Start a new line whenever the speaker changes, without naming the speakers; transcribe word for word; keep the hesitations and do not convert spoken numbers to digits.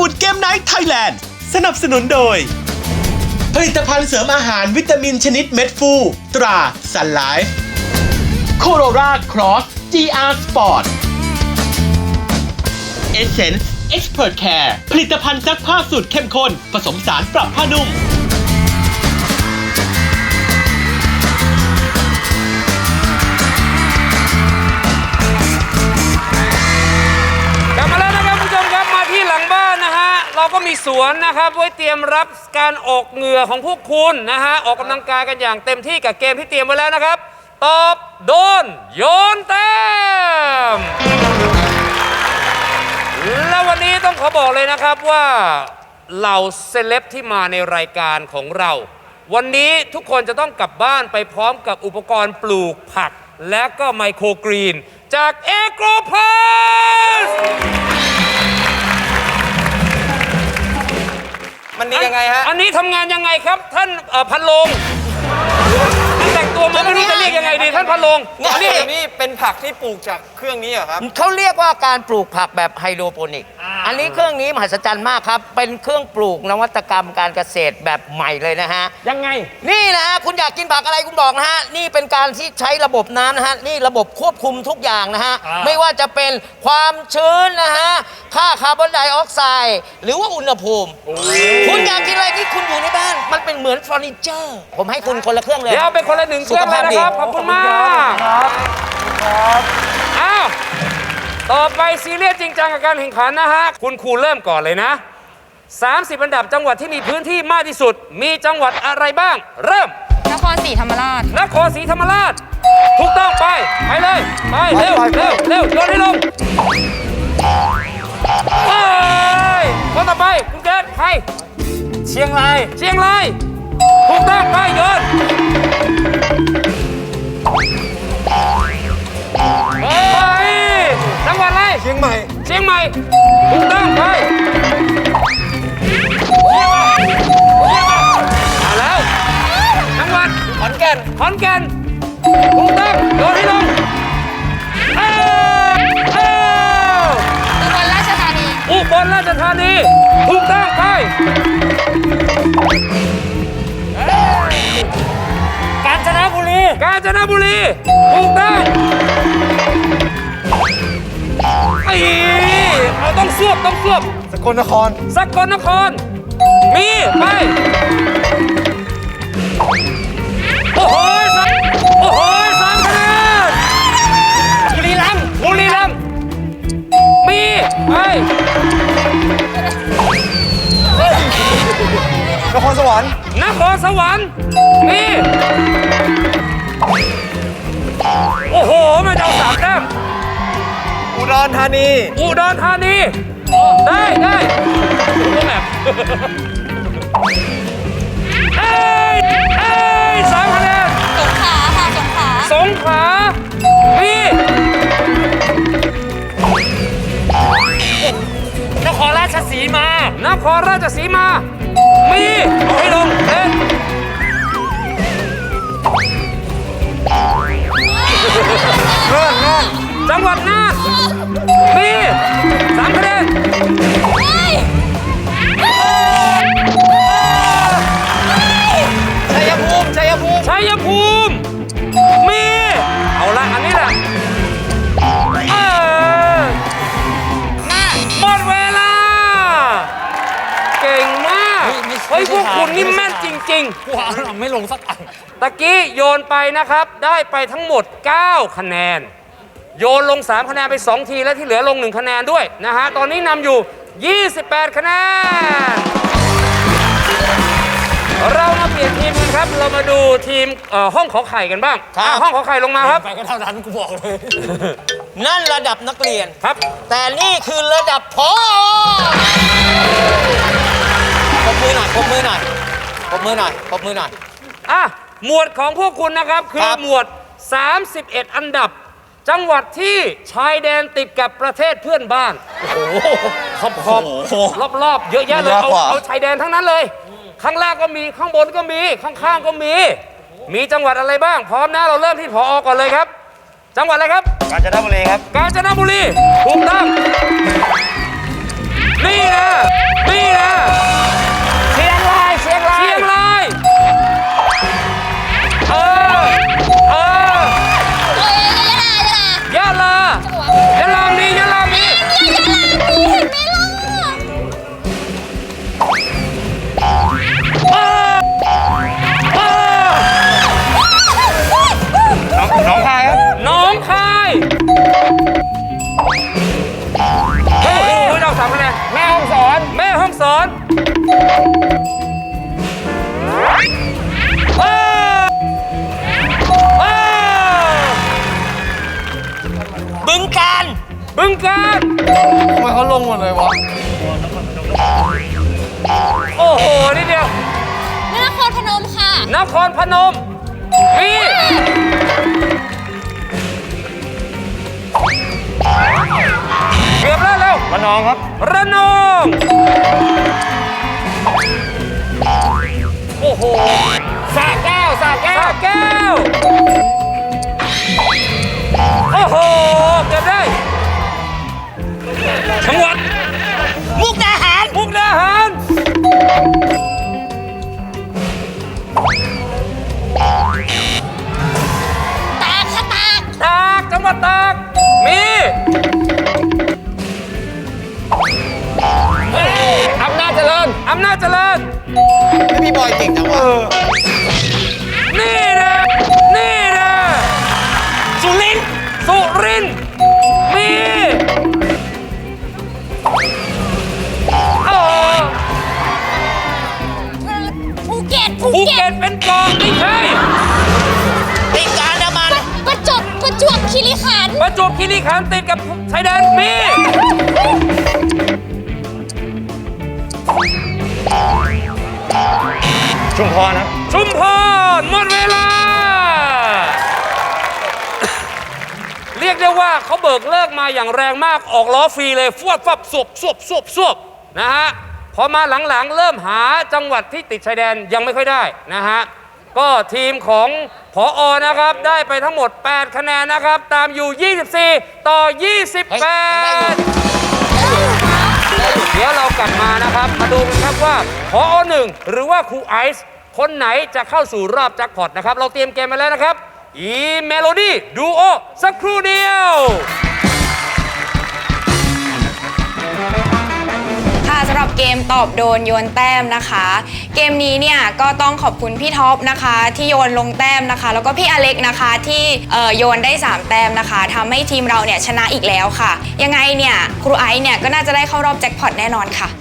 ดเกมไนท์ไทยแลนด์สนับสนุนโดยผลิตภัณฑ์เสริมอาหารวิตามินชนิดเม็ดฟูตราซันไลฟ์โคโรราครอส จี อาร์ Sport Essence Expert Care ผลิตภัณฑ์ซักผ้าสูตรเข้มข้นผสมสารปรับผ้านุ่ม
เราก็มีสวนนะครับไว้เตรียมรับการออกเหงื่อของพวกคุณนะฮะออกกำลังกายกันอย่างเต็มที่กับเกมที่เตรียมไว้แล้วนะครับตอบโดนโยนแต้มและวันนี้ต้องขอบอกเลยนะครับว่าเหล่าเซเลบที่มาในรายการของเราวันนี้ทุกคนจะต้องกลับบ้านไปพร้อมกับอุปกรณ์ปลูกผักและก็ไมโครกรีนจากเอโกรพาส
มันดียังไงฮะ
อันนี้ทำงานยังไงครับท่านพันลงท่านแต่งตัวมาไม่รู้จะเรียกยังไงดีท่านพันลง
นี่นี่เป็นผักที่ปลูกจากเครื่องนี้เหรอครับ
เขาเรียกว่าการปลูกผักแบบไฮโดรโปนิกอันนี้เครื่องนี้มหัศจรรย์มากครับเป็นเครื่องปลูกนวัตกรรมการเกษตรแบบใหม่เลยนะฮะ
ยังไง
นี่นะฮะคุณอยากกินผักอะไรคุณบอกนะฮะนี่เป็นการที่ใช้ระบบน้ำนะฮะนี่ระบบควบคุมทุกอย่างนะฮะไม่ว่าจะเป็นความชื้นนะฮะค่าคาร์บอนไดออกไซด์หรือว่าอุณหภูมิคุณอยากกินอะไรนี่คุณอยู่ในบ้านมันเป็นเหมือนเฟอร์นิเจอร์ผมให้คุณคนละเครื่องเลย
เดี๋ยวเป็นคนละหนึ่งเครื่องเลยนะครับขอบคุณมากครับอ้าวต่อไปซีเรียสจริงจังกับการแข่งขันนะฮะคุณครูเริ่มก่อนเลยนะสามสิบอันดับจังหวัดที่มีพื้นที่มากที่สุดมีจังหวัดอะไรบ้างเริ่ม
นครศรีธรรมราช
นครศรีธรรมราชถูกต้องไปไปเลยไปเร็วเร็วเร็วโยนให้ลงไปคนต่อไปคุณเกศใครเชียงรายเชียงรายถูกต้องไปโยนไปจังหวัดอะไร
เชียงใหม่
เชียงใหม่ถูกต้องไปเอาแล้วจังหวัด
ขอนแก่น
ขอนแก่นถูกต้องโยนให้ลงเอ้าเอ้า
อุบลราชธานี
อุบลราชธานีถูกต้องไปกาญจนบุรีกาญจนบุรีถูกต้องไอ้เราต้องสวบต้องสวบ
สกลนคร
สกลนครมีไปโอ้โหโอ้โหสามคะแนนบุรีรัมย์บุรีรัมย์มีไป
นครสวรรค์
นครสวรรค์มีโอ้โหมันจะเอาสามแต้ม
อุดรธานี
อุดรธานีได้ได้ตัวแบบเอ้ยเอ้ยสามคะแนน
สงขลาค่ะสงขลา
สงขลามีนครราชสีมานครราชสีมามีเอาให้ลงเล่น
น่านน่าน
จังหวัดน่านมีสามคะแนน
ชัยภูมิชัยภูมิ
ชัยภูมิมีเอาละอันนี้แหละเออหมดเวลาเก่งมากเฮ้ยพวกคุณนี่แม่นจริงๆว้าวไม่ลงสักอันตะกี้โยนไปนะครับได้ไปทั้งหมดเก้าคะแนนโยนลงสามคะแนนไปสองทีและที่เหลือลงหนึ่งคะแนนด้วยนะฮะตอนนี้นำอยู่ยี่สิบแปดคะแนนเรามาเปลี่ยนทีมกันครับเรามาดูทีมห้องขอไข่กันบ้างห้องขอไข่ลงมาครับไปก็เท่านั้นกูบอกเลย
นั่นระดับนักเรียน
ครับ
แต่นี่คือระดับผอ.ปรบมือหน่อยปรบมือหน่อยปรบมือหน่อยปรบมือหน่อย
อ่ะหมวดของพวกคุณนะครับคือหมวดสามสิบเอ็ดอันดับจังหวัดที่ชายแดนติดกับประเทศเพื่อนบ้านโอ้โหขอบขอบรอบๆเยอะแยะเลยเอาเอาชายแดนทั้งนั้นเลยข้างล่างก็มีข้างบนก็มีข้างๆก็มีมีจังหวัดอะไรบ้างพร้อมนะเราเริ่มที่ผอ.ก่อนเลยครับจังหวัดอะไรครับ
กาญจนบุรีครับ
กาญจนบุรีถูกต้องนี่นะม่ห้องสอนว้าวว้าว
บึงการ
บึงการ
ทำไมเขาลงหมดเลยวะ
โอ้โหนิดเดียวน
ครพนมค่ะ
นครพนมมีเกือบแล้วเร็ว
ระนองครับ
ระนองโอ้โหสระแก้วสระแก้วสระแก้วโอ้โหเกือบได้จังหวัด
มุกดาหาร
มุกดาหาร
ตากค่ะตาก
ตากจังหวัดตากมีอำนาจเจริญอำนาจเจริญ
ไม่พี่บอยเก่งจังวะ
นี่นะนี่นะสุรินทร์สุรินทร์มีโอ้
ภูเก็ต
ภูเก็ตเป็นเกาะไม่ใช่
ติดการน้ำมัน
ประจบประจวบคีรีขันธ์
ประจวบคีรีขันธ์ติดกับชายแดนมี
ชุมพรครับ
ชุมพรหมดเวลา เรียกได้ว่าเขาเบิกเลิกมาอย่างแรงมากออกล้อฟรีเลยฟวดฟับสวบสวบสวบสวบนะฮะพอมาหลังๆเริ่มหาจังหวัดที่ติดชายแดนยังไม่ค่อยได้นะฮะก็ทีมของผอนะครับได้ไปทั้งหมดแปดคะแนนนะครับตามอยู่ยี่สิบสี่ต่อยี่สิบแปดเดี๋ยวเรากลับมานะครับมาดูกันครับว่าผอหนึ่งหรือว่าครูไอซ์คนไหนจะเข้าสู่รอบแจ็คพอตนะครับเราเตรียมเกมมาแล้วนะครับอีเมโลดี้ดูโอสักครู่เดียว
ค่ะสำหรับเกมตอบโดนโยนแต้มนะคะ เกมนี้เนี่ยก็ต้องขอบคุณพี่ท็อปนะคะที่โยนลงแต้มนะคะ แล้วก็พี่อเล็กนะคะที่เอ่อโยนได้สามแต้มนะคะทำให้ทีมเราเนี่ยชนะอีกแล้วค่ะ ยังไงเนี่ยครูไอซ์เนี่ยก็น่าจะได้เข้ารอบแจ็คพอตแน่นอนค่ะ